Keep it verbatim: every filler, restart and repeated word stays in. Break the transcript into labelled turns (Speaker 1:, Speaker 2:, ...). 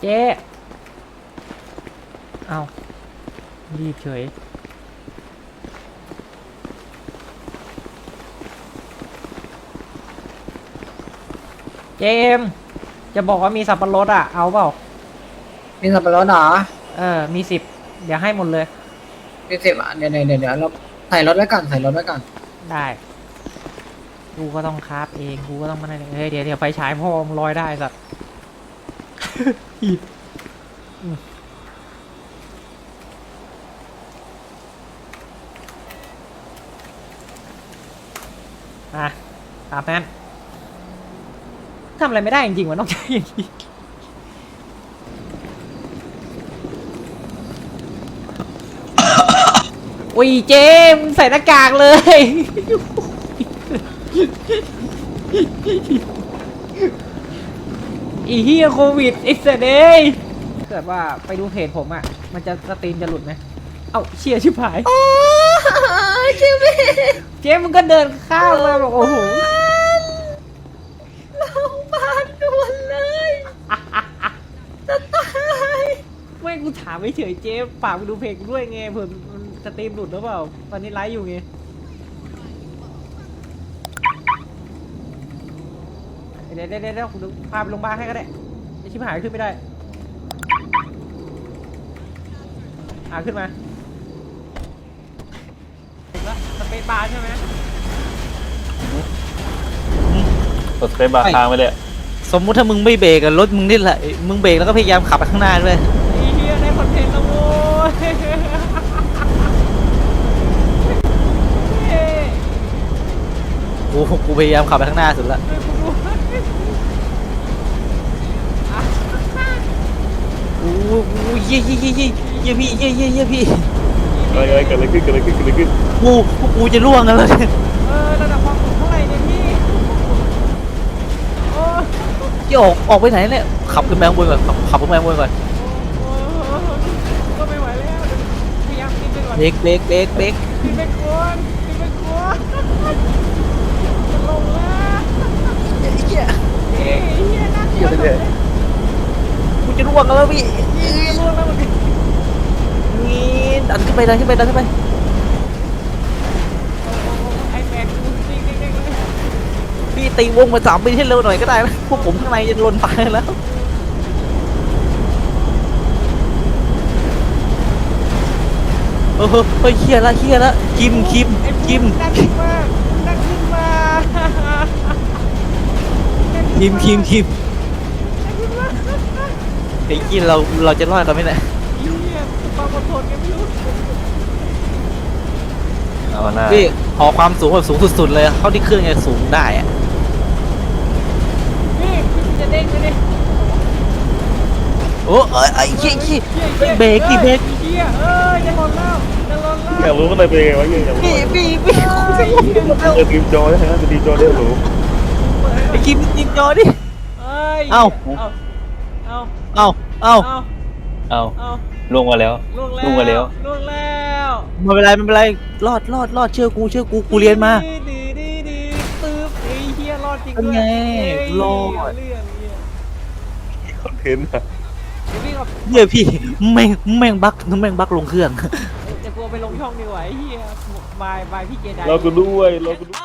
Speaker 1: เจ๊เอารีบเฉยเจมจะบอกว่ามีสับปะรดอ่ะเอาเปล่า
Speaker 2: มีสับปะรดเหรอ
Speaker 1: เออมีสิบเดี๋ยวให้หมดเลย
Speaker 2: มีสิบอ่ะเดี๋ยวเดี๋ยวเดี๋ยวเราใส่รถไว้ก่อนใส่รถไว้ก่อน
Speaker 1: ได้กูก็ต้องคราฟเองกูก็ต้องมาได้เฮ้ยเดี๋ยวเดี๋ยวไฟฉายพ่อมึงลอยได้สัตว์ อ่ะตามนั้นทำอะไรไม่ได้จริงๆวะนอกจากอย่างนี้อุ้ยเจมใส่หน้ากากเลยอีเฮียโควิดไอ้เสดเอ้ยเกิดว่าไปดูเพจผมอ่ะมันจะสตรีมจะหลุดไหมเอ้าเชียร์ชิบหาย
Speaker 2: เจม
Speaker 1: เจมมึงก็เดินข้ามมาบอกโอ้โห
Speaker 2: โรงพยาบาลด่วนเลยจะตาย
Speaker 1: ไม่กูถามไม่เฉยเจมฝากไปดูเพจกูด้วยไงเผื่อมันสตรีมหลุดหรือเปล่าตอนนี้ไลฟ์อยู่ไงเดี๋ยวเดี๋ยวเดี๋ยวกูพาไปโรงพยาบาลให้ก็ได้ไอชิบหายขึ้นไม่ได้อ่าขึ้นมาสเปซบาร์ใช่ไหม
Speaker 3: กดสเปซบาร์ค้างไปเลย
Speaker 4: สมมุติถ้ามึงไม่เบรกอะรถมึงนี่แหละมึงเบรกแล้วก็พยายามขับไปข้างหน้าด้วย
Speaker 1: ไอ้เหี้ยได้คอนเทนต์แล้วโว้ย
Speaker 4: กูกูพยายามขับไปข้างหน้าสุดละโอ้โหเยี่ยเยี่ยเยี่ยเยี่ยเยี่ยพี่เยี่ยเยี่ยเยี่ยพี่
Speaker 3: เฮ้ยเกิดอะไรขึ้นเกิดอะไรขึ้นเกิดอะไรขึ้น
Speaker 4: กูกูจะล่วงกันแล้วเนี่ย
Speaker 1: เออระดับความสูงเท่าไหร่เนี่ยพี่โอ้
Speaker 4: จะออกออกไปไหนเนี่ยขับขึ้นไปข้างบนก่อนขับขึ้นไปข้างบนก่อน
Speaker 1: ก็ไม่ไหวแล้วพยายามกินไปก่อน
Speaker 4: เบรกเบรกเบรกเบรก
Speaker 1: กินไปก่อนกินไปก่อนจะลงแล้ว
Speaker 4: เฮีย
Speaker 1: เฮ้ยเฮียน่ากลัวเลย
Speaker 4: กูจะล่วงกันแล้วพี่
Speaker 1: ล่วงแล้วมัน
Speaker 4: นี่ดันขึ้นไปดันขึ้นไปดันขึ้นไป
Speaker 1: ไอ้แม็กซ์จริงจริงเลย
Speaker 4: พี่ตีวงมาสามปีให้เร็วหน่อยก็ได้นะพวกผมข้างในจะลนตายแล้วเออเฮ้ยเฮียละเฮียละคิมคิมคิม
Speaker 1: ดันขึ้นมาดันขึ้นมา
Speaker 4: คิมคิมคิมไอ้กี้เราเราจะรอดกันไหมเนี่ย
Speaker 1: ความอดทนกันไม่รู้
Speaker 3: เอาหน้า
Speaker 4: พี่ขอความสูงแบบสูงสุดๆเลยเข้าที่เครื่องจะสูงได้อะ
Speaker 1: นี่จะเด้งไปดิ
Speaker 4: โอ้เอ้ยไอ้เหี้ยเหี้ยเบรกดิเบรก
Speaker 1: เหี้ยเอ้ยจะหล่นแล้วจะหล่นแล้ว
Speaker 3: อยากรู้ว่าอะไรเป็นไงวะอยากรู้
Speaker 4: พี่พี่พี่
Speaker 3: จะทีมจอได้ไหมจะทีมจอได้หรือ
Speaker 4: ไอ้คิมยิงจอดิ
Speaker 1: เอ้า
Speaker 4: เอ้าเอ้าเอ้า
Speaker 3: เอ้าลงมาแล้ว
Speaker 1: ลงมาแล้วลงแล้ว
Speaker 4: ไม่เป็นไรไม่เป็นไรรอดรอดรอดเชื่อกูเชื่อกูกูเรียนมา
Speaker 1: ดีดีดีตึ๊บไอ้เหี้ยรอดจริง
Speaker 4: ด้วยไงรอด
Speaker 3: คอนเทนต์อะ
Speaker 4: เหี้ยพี่แม่งแม่งบักแม่งบักลงเครื่อง
Speaker 1: จะกลัวไปลงช่องดีกว่าไอ้เหี้ยบายบายพี่เจได
Speaker 3: เราก็ด้วยเราก็